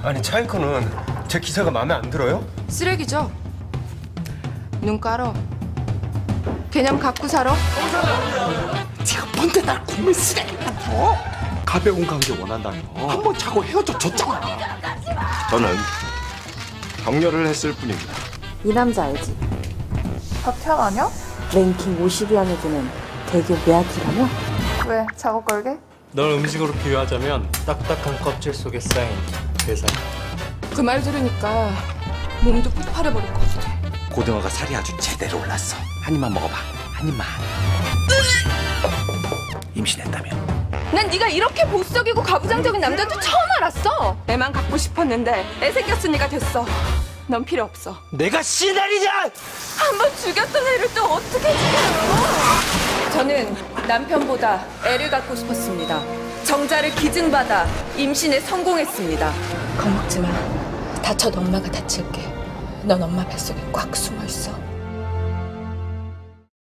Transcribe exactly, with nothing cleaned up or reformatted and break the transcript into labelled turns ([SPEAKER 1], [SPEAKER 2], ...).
[SPEAKER 1] 아니 차이커는 제 기사가 마음에 안 들어요?
[SPEAKER 2] 쓰레기죠? 눈 깔어. 개념 갖고 살아?
[SPEAKER 3] 제가 뭔데 날 국민 쓰레기만 줘? 가벼운 관계 원한다며 한 번 자고 헤어져 줬잖아.
[SPEAKER 1] 저는 격려를 했을 뿐입니다.
[SPEAKER 4] 이 남자 알지?
[SPEAKER 5] 박태환 아니야?
[SPEAKER 4] 랭킹 오십 위 안에 드는 대교 매아티라며?
[SPEAKER 5] 왜? 작업 걸게?
[SPEAKER 6] 널 음식으로 비유하자면 딱딱한 껍질 속에 쌓인 괴살.
[SPEAKER 2] 그 말 들으니까 몸도 폭발해버릴 것 같아.
[SPEAKER 3] 고등어가 살이 아주 제대로 올랐어. 한 입만 먹어봐. 한 입만. 임신했다며.
[SPEAKER 2] 난 네가 이렇게 보수적이고 가부장적인 남자인 줄 처음 알았어. 애만 갖고 싶었는데 애 생겼으니까 됐어. 넌 필요 없어.
[SPEAKER 3] 내가 시달이냐?
[SPEAKER 2] 한 번 죽였던 애를 또 어떻게 죽여요? 저는 남편보다 애를 갖고 싶었습니다. 정자를 기증받아 임신에 성공했습니다. 겁먹지 마. 다쳐도 엄마가 다칠게. 넌 엄마 뱃속에 꽉 숨어 있어.